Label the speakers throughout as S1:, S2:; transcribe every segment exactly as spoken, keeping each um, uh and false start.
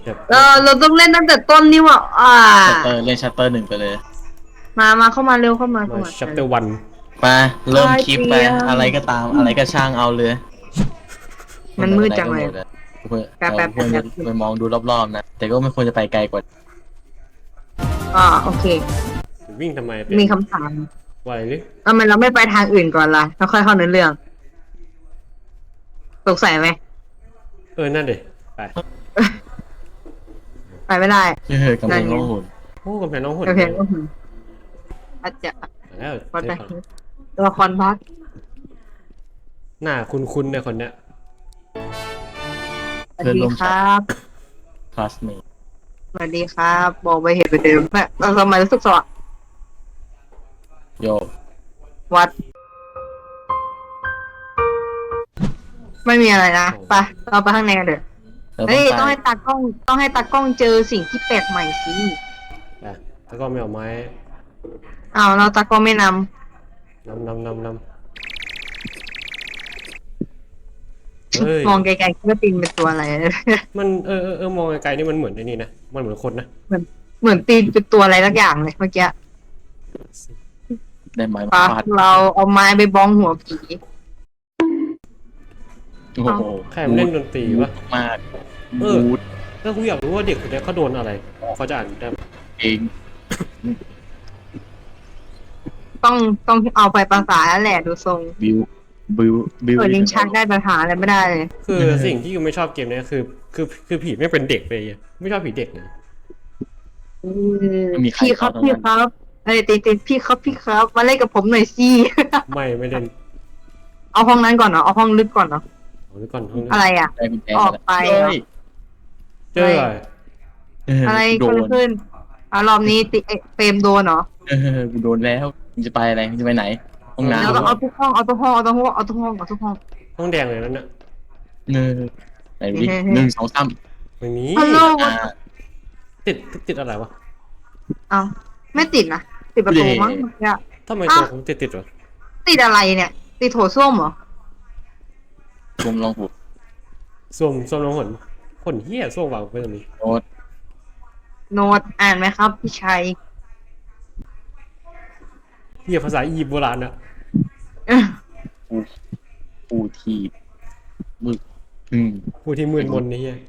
S1: เออเราต้องเล่นตั้งแต่ต้นนี่ว่ะอ่า
S2: ชัตเตอร์เล่นชัตเตอร์หนึ่งไปเลย
S1: มามาเข้ามาเร็วเข้ามาเข้า
S3: มา
S1: มา
S3: ชัปเตอร์วัน
S2: มาเริ่มคลิปไป
S1: ไปเตรียม
S2: อะไรก็ตามอะไรก็ช่างเอาเลย
S1: มันมืดจังเลย
S2: เพื่อ
S1: แป๊บแป๊บ
S2: ควรจะ
S1: แป๊บ
S2: ไปมองดูรอบๆนะแต่ก็ไม่ควรจะไปไกลกว่า
S1: อ่าโอเค
S3: วิ่งทำไมเป็น
S1: มีคำถาม
S3: ว่าอะไรนี่
S1: ทำไมเราไม่ไปทางอื่นก่อนล่ะแล้วค่อยเข้าเนื้อเรื่องสงสัยไหม
S3: เออนั่นเด็ไป
S1: ไปไม่ได้
S2: เออกำลังร้องหุ่น
S3: โอ้กำแพงน้องหุ่น
S1: โอเคก็คืออาจจะ
S3: แล้ว
S1: วัด
S3: เจ
S1: ไป
S3: อก่อน
S1: ตัวละครพัก
S3: หน้าคุ้นๆในคนเนี้ย
S1: สวัสดีครับ
S2: คลาสเมท
S1: สวัสดีครับบอกไปเห็นไปเดิมแม่เราทำไมรู้สึกสว่าง
S2: โย
S1: วัด ไม่มีอะไรนะไปเราไปข้างในกันเถอะ
S2: เราต้
S1: เฮ้
S2: อง
S1: ย
S2: ไป
S1: ต้องให้ตากล้องต้องให้ตากล้องเจอสิ่งที่แปลกใหม่สิ
S3: อ่ะแล้วก็ไม่เอาไม้
S1: อ้าวเราตากล้องไม่น
S3: นำนำนำนำเฮ้ย
S1: ำมองไกลๆคิดว่าตีนเป็นตัวอะไร
S3: มันเออเออเออมองไกลๆนี่มันเหมือนไอ้นี่นะมันเหมือนคนนะ
S1: เหมือนเหมือนตีนเป็นตัวอะไรสักอย่างเลยเมื่อกี้
S2: ได้ไหม
S1: ปะ
S2: ฟาด
S1: เราเอาไม้ไปบ้องหัวผี
S2: โอ้โห
S3: ใครมันเล่นดนตรีวะ
S2: มาก
S3: เออ
S2: บูด
S3: แล้วกูอยากรู้ว่าเด็กคนนี้เขาโดนอะไรเขาจะอ่านได้ไหม
S2: เอง
S1: ต้องต้องเอาไปภาษาแล้วแหละดูทรง
S2: บิวบิวบิว
S1: เปิดลิ้นชักได้ภาษาอะไรไม่ได้เลย
S3: คือสิ่งที่กูไม่ชอบเกมเนี้ยคือ คือคือผีไม่เป็นเด็กเลยอะไม่ชอบผีเด็กเลย
S1: อืมพี่ครับพี่ครับเอ้ยตีตีพี่ครับพี่ครับมาเล่นกับผมหน่อยสิ
S3: ไม่ไม่เล่น
S1: เอาห้องนั้นก่อนเนาะเอาห้องลึกก่อนเนาะ
S3: เอาไว้ก่อนห้องนี้
S1: อะไรอ่ะ
S2: ได้กุญแจ
S1: ออกไปเหรอ
S2: เฮ้ย
S3: เจออะไร
S2: เออ
S1: อะไร
S2: กู
S1: เกิด
S2: โดน
S1: ขึ้นอ่ะรอบนี้ติเอ๊ะเฟรมโดนเหรอ
S2: เออกูโดนแล้วมึงจะไปอะไรมึงจะไปไหนห้องน้ำ
S1: แล้ว
S2: เหร
S1: ก็
S2: อ
S1: เอาทุกห้องเอาทุกห้องเอาทุกห้องเอาทุกห้องเอาทุกห้อง
S3: ห้องแดงเลยนั่นน่ะ
S2: เออไหนดูดิหนึ่งสองสาม
S3: ไม่มี
S1: ฮัลโหล
S2: อ่า
S3: ติดติดอะไรวะ
S1: เอาไม่ติดนะติดประตูมั้งเมื่อกี้
S3: ทำไม
S1: อ้าว
S3: ตัวผมติดติดวะ
S1: ติดอะไรเนี่ย ติดโถส้วมเหรอ
S2: รวมลองหู
S3: ส้วมส้วมน้องหนขนเหี้ยส้วมวางไปตรงนี้
S2: โน้ต
S1: โน้ตอ่านไหมครับพี่ชัย
S3: เหี้ยภาษาอียิปต์โบราณอะ
S1: เอ้อ
S2: ปูปูทีบมึกอืม
S3: ผู้ที่มืดมนนี่เหี้ย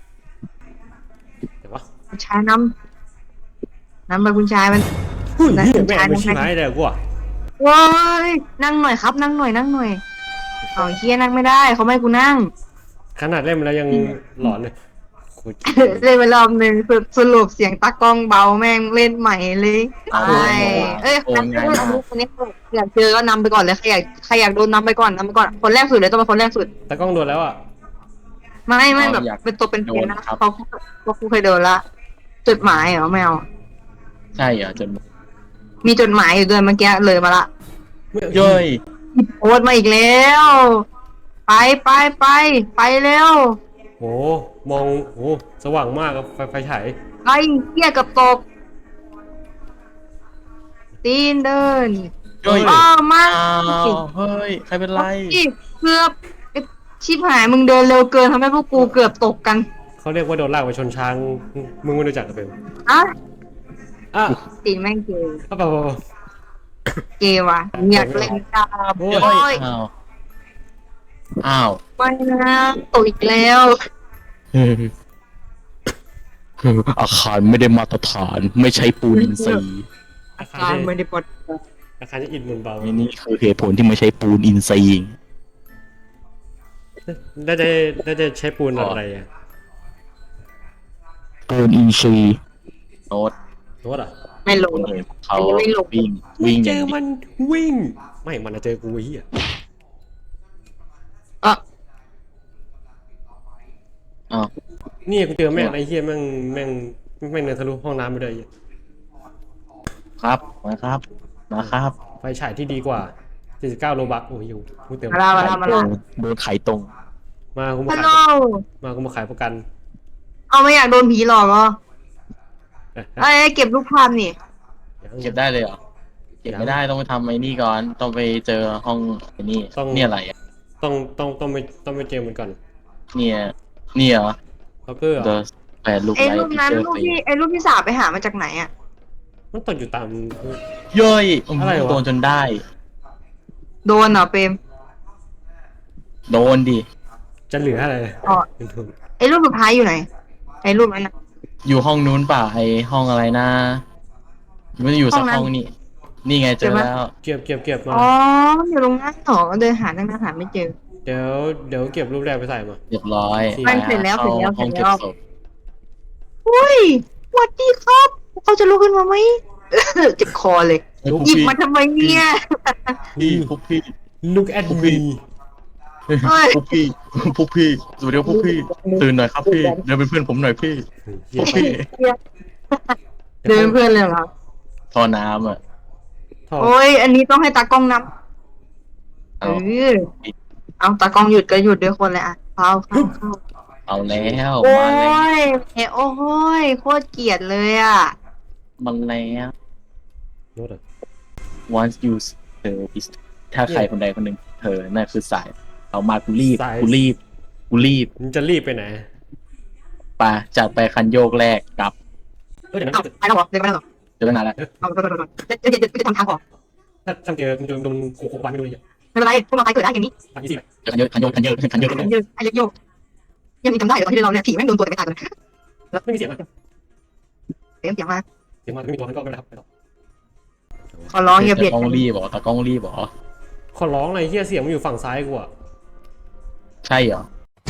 S3: แต่ว่า
S1: คุณชายนำนำไปคุณชายมัน
S3: หุ้ย
S1: นั่น
S3: เหี้ย
S1: คุณ
S3: แม่ง
S1: ชาย
S3: ไม่
S1: นั่ง
S3: ชิบหายเลยกูอะ
S1: ว้ายนั่งหน่อยครับ นั่งหน่อยนั่งหน่อยเอาเฮียนั่งไม่ได้เขาไม่ให้กูนั่ง
S3: ขนาดเล่นมาแล้วยังหลอนเลยโคตร
S1: เล่นไปรอบหนึ่งสรุปสรุปเสียงตากล้องเบาแม่งเล่นใหม่เลย
S2: เอา
S1: ใช่เอ้ย
S2: โอ้
S1: คน
S2: ง่ายมาก
S1: นี้อยากเจอก็นำไปก่อนเลยใครอยากใครอยากโดนนำไปก่อนนำไปก่อนคนแรกสุดเลยต้องเป็นคนแรกสุด
S3: ตากล้องโดนแล้วอะ
S1: ไม่ไม่แบบ
S2: อยาก
S1: เป็นตัวเป็น
S2: โด
S1: เป็น
S2: น
S1: นะครับ เขาเขากูเคยโดนละจดหมายเหรอไม่เอา
S2: ใช่เหรอจน
S1: มีจดหมายอยู่ด้วยเมื่อกี้เลยมาละ
S2: เย้ย
S1: โพสต์มาอีกแล้ว ไปไปไปไปเร็ว
S3: โหมองโหสว่างมากครับไฟไฟฉาย
S1: ไอ้เหี้ยกับตก ตีนเดิน
S2: เย้ย
S1: อ้าวมา
S2: อ้าวเฮ้ยใครเป็นไร
S1: อีกเกือบไอ้ชิบหายมึงเดินเร็วเกินทำให้พวกกูเกือบตกกัน
S3: เขาเรียกว่าโดนลากไปชนช้างมึงไม่รู้จักกันเป็น
S1: อ่ะ
S3: อ่ะ
S1: ตีนแม่งเกย์
S3: เอาเปล่าเปล่าเปล่า
S1: เกย์ว่ะอยากเล่นดาบ
S3: โอ้
S1: โอ้
S3: ย
S1: ย
S2: อ้าว อ้าว
S1: ไม่นะตกอีกแล้ว
S2: อาคารไม่ได้มาตรฐาน ไม่ใช้ปูนอินทรีย์
S3: อาคาร
S1: การ
S3: จะ
S1: ไม่ได้ปลด
S3: อาคารจะอินมุนเบา
S2: นี่คือเหตุผลที่ไม่ใช้ปูนอินทรีย์
S3: ได้จะได้จะใช้ปูนอะไรอ่ะ
S2: ปูนอินทรีย์โน้ต
S3: โน้ตอ่ะ
S1: ไม่ลง
S2: เลยเขา
S1: อันนี้ไม่ลง
S2: วิ่งวิ่งอ
S3: เจ
S2: ย่าง
S3: อ
S2: เดียว
S3: มันวิ่ง ไม่มันอะเจอกูไอ้เหี้ย
S1: อ่ะ
S2: อ้าว
S3: นี่กูเจอแม่งไอ้เหี้ยแม่งแม่งแม่งเดินทะลุห้องน้ำไปเลยไอ้เหี้ย
S2: ครับมาครับ มาครับ
S3: ไฟฉายที่ดีกว่าเจ็ดสิบเก้าโลบักโอ้ยกูเติม
S1: มาละมาละมาละ
S2: โดนไข่ตรง
S3: มากูมา
S1: ฮัล
S3: ขาย
S1: โหล
S3: มากูมาขายประกัน
S1: เอาไม่อยากโดนผีหลอกเหรอ
S3: เอ๊ะ
S1: ไอ้ยเก็บรูปภาพนี่
S2: เก็บได้เลยเหรอ เก็บไม่ได้ต้องไปทำไอ้นี่ก่อน ต้องไปเจอห้องไอ้นี่เนี่ยอะไรอ่ะ
S3: ต้องต้องต้องไปต้องไปเจอมันก่อน
S2: เนี่ยเนี่ยเหรอ
S3: ล็อกเกอร์เหรอ
S2: The แปดลูก
S1: ไอ้
S2: ไล
S1: รูป
S2: ท์พิ
S1: นั้น
S2: เจอร์
S1: รูป
S2: ฟรี
S1: ที่ไอ้รูปที่สาวไปหามาจากไหนอ่ะ
S3: มันตกอยู่ตาม
S2: เย้ยม
S3: อะไรวะ
S2: โดนจนได้
S1: โดนเหรอเปรม
S2: โดนดิ
S3: จะเหลืออะไร
S1: อ๋อไอ้รูปสุดท้ายอยู่ไหนไอ้รูปนั้นนะ
S2: อยู่ห้องนู้นเปล่าไอห้องอะไรนะมันจะอยู่สัก
S1: ห้องนั้น
S2: ห้องนี่นี่ไงเจอแล้ว
S3: เก็บเก็บเก็บมา
S1: อ๋อมันอยู่ตรงนั้นเหรอเดินหาตั้งนานหาไม่เจอ
S3: เดี๋ยวเดี๋ยวเก็บรูปแรกไปใส่มา
S2: เรียบร้อย
S1: มันเสร็จแล้ว
S2: ข้า
S1: เสร็จแล้ว
S2: ห้อง
S1: เสร็
S2: เก็
S1: จ
S2: บ
S1: แล้ว
S2: ศพ
S1: อุ้ยสวัสดีครับเขาจะลุกขึ้นมาไหม เจ็บคอเลย
S2: เฮ้ยพวก
S1: หยิบ
S2: พี่
S1: มาทำไมเนี่ย
S2: พี่พวกพี่
S3: look at
S2: พวกพี่
S3: me
S1: เฮ้ย
S2: พวกพี่พวกพี่สวัสดีครับพวกพี่ตื่นหน่อยครับพี่เดินเป็นเพื่อนผมหน่อยพี่พวกพี่
S1: เดินเพื่อนเลยเหรอ
S2: ท่อน้ำอ่ะ
S3: ท่อ
S1: โอ้ยอันนี้ต้องให้ตากล้องนำเอ
S2: เอา
S1: อเอาตากล้องหยุดก็หยุดด้วยคนเลยอ่ะเข้าเข้าเข้า
S2: เอาแล้ว
S1: โอ้
S2: มาแล้ว
S1: ยเอยโอ้ยโคตรเกลียดเลยอ่ะ
S2: มันแล้ว
S3: โน้ตอะ
S2: once you เธอ is ถ้าใครคนใดคนหนึ่งเธอนั่นคือสายเอามากูรีบกูรีบกูรีบ
S3: มึงจะรีบไปไหน
S2: ไปจัดไปคันโยกแรกกลับ
S3: เออเดี๋ยวนะ
S1: เอาไปแล้วเหรอเดินไปแล้วเหรอ
S2: เจอตั้งนานแล้ว
S1: เอาไปไปไปไปจะจะจะจะทำทางออก
S3: ถ้าถ้าเจอมึงจะโดนโขกวันไม่โดนเลย
S1: ไม่เป็นไรพวกเราไปเกิดได้อย่างนี้
S3: อันนี้สิ
S2: เจอคันโยกคันโยกคันโยกคันโยก
S1: ไอ้ยืดไอ้โยกยังมีจำได้เลยตอนที่เราเนี่ยถีบแม่งโดนตัวแต่ไม่ตายเลย
S3: ไม่มีเสียงอะ
S1: เสียงเสียงมา
S3: เสียงมันไม่มีตัวมันก็ไม่ได้ครับไปต่อ
S1: ขอร้องอย่าเบียด
S2: ตะกล้
S1: กั
S2: อง
S1: น
S2: รีบเหรอตะกล้องรีบเหรอ
S3: ขอร้องเลยเฮียเสียงมันอยู่ฝั่งซ้ายกูอะ
S2: ใช่เหรอ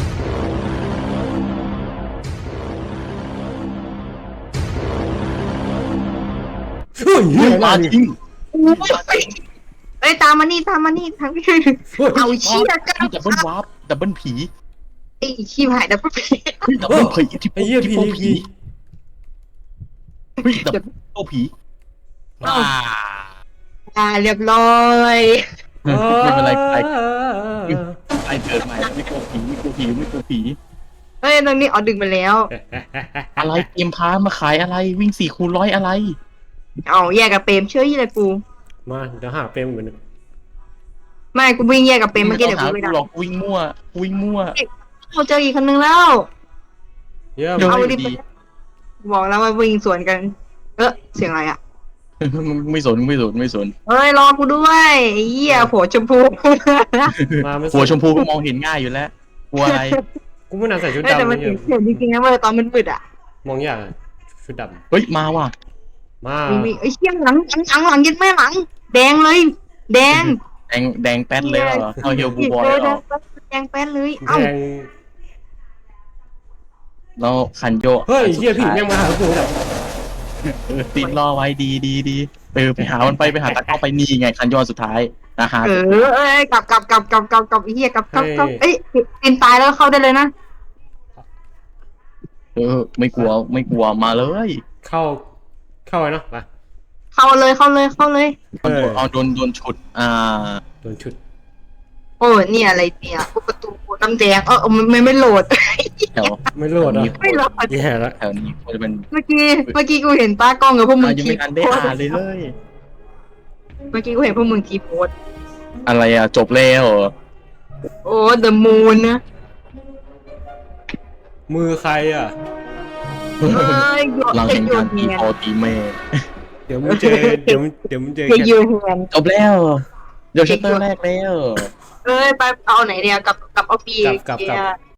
S3: เฮ้ยเฮีย
S2: มา
S3: มาดิ
S2: ทิ้ง
S1: เอ้ยตามมานี่ตามมานี่ทางพี่เอาเชี่ยกัน
S2: ดับเบิลวาร์ปดับเบิลผี
S1: ไอ้ขี้หายดับเบิลผี
S2: เฮ้ยดับเบิลผีที่
S3: ไอ้เหี้ย
S2: ที่
S3: ผี
S2: โป
S3: ผี
S2: ผีเฮ้ยดับเบิลโปผีอ่า
S1: อ่าเรียบร้อย
S2: ไม่เป็นไรไปไปเกิดใหม่ไม่กลัวผีไม่กลัวผีไม่กลัวผี
S1: เฮ้ยตรงนี้อ๋อดึงไปแล้ว
S2: อะไรเกมพามาขายอะไรวิ่งสี่คูณร้อยอะไร
S1: เอาแยกกับเปรมเชื่อยี่เลยกู
S3: มาเดี๋ยวหาเปรมเหมือน
S1: ไม่กูวิ่งแยกกับเปรมเมื่อกี้เดี๋ยวกู
S2: ไม่
S1: ไม่
S2: ต้
S1: ได้
S2: องหากูหรอกวิ่งมั่ววิ่งมั่ว
S1: เราเจออีกคนนึงแล้ว
S3: เยี่ยม
S2: เดี๋ยว
S1: เอา
S2: ไม่
S1: ดิ
S2: ดี
S1: บอกแล้วว่าวิ่งสวนกัน เออเสียงอะไรอ่ะ
S2: ไม่สนไม่สนไม่สน
S1: เฮ้ยรอกูด้วยไอ้เหี้ยโผชมพู
S3: มาไม่
S2: หัวชมพูก็มองเห็นง่ายอยู่แล้วกลัวอะไร
S3: กูไม่น่าใส่ชุด
S1: เฮ้ยแต่
S3: ดำ
S1: มัน
S3: เยี่ยม
S1: เห็นจริงๆนะเว้ยตอนมันมืดอ่ะ
S3: มองยากชุดด
S2: เฮ้ยมาว่ะ
S3: ำมา
S1: มีไอ้เชี่ยหลังหลังหลังยึดแม่หลัง แดงเลย แดง
S2: แดงแดงแป๊ดเลยเหรอเอาเฮียวบูบอย
S1: แด
S2: เหรง อ
S1: แดงแป้นเลย
S3: แด
S1: เอ้าง
S2: แล้วคันโยก
S3: เฮ้ยเฮียผีแม่งมาหากูแบบ
S2: เออติดรอไว้ดีดีดีเออไปหามันไปไปหาตะกร้อไปนี่ไงคันโยกสุดท้ายนะฮะ
S1: เออเอ้ยกลับกลับกลับกลับกลับกลับไอ้เหี้ยกลับกลับกลับเอ้ยกินตายแล้วเข้าได้เลยนะ
S2: เออไม่กลัวไม่กลัวมาเลย
S3: เข้าเข้าไปเนาะมา
S1: เข้าเลยเข้าเลยเข้าเลย
S3: เออ
S2: เอาโดนโดนฉุดอ่า
S3: โดนชุด
S1: โอ้เนี่ยอะไรเนี่ยประตูน้ำแดงเออมันไม่ไม่โหลด
S2: แถว
S3: ไม่โหลดอ่ะ
S1: ไม่โหลด
S3: แย่แล้ว
S2: แถวนี้ควรจะเป็น
S1: เมื่อกี้เมื่อกี้กูเห็นตากล้องกับพวกมึ
S2: อ่าง ยัง
S1: ที
S2: ไม่ทันได้
S1: โพส
S2: อ่านเลยเฮ้ย
S1: เมื่อกี้กูเห็นพวกมึงทีโพส
S2: อะไรอ่ะจบแล้วเหรอ
S1: โอ้เดอะมูนนะ
S3: มือใครอ่ะ
S1: เอ้ยโยน
S2: หลัง
S1: เอ้
S2: เห็
S1: ย
S2: น
S1: โย
S2: กาน รตี
S1: เนียน
S2: พอตีแม่
S3: เดี๋ยวมึงเจอเดี๋ยวมึงเดี๋ยวมึงเจอ
S1: เฮ้ย
S3: แค่
S1: โยนแฮน
S2: จบแล้วเดี๋ยวชัตเตอร์แรกแล้ว
S1: เอ้ยไปเอาไหนเดียวกับกับเอาปี
S3: กับกับกับ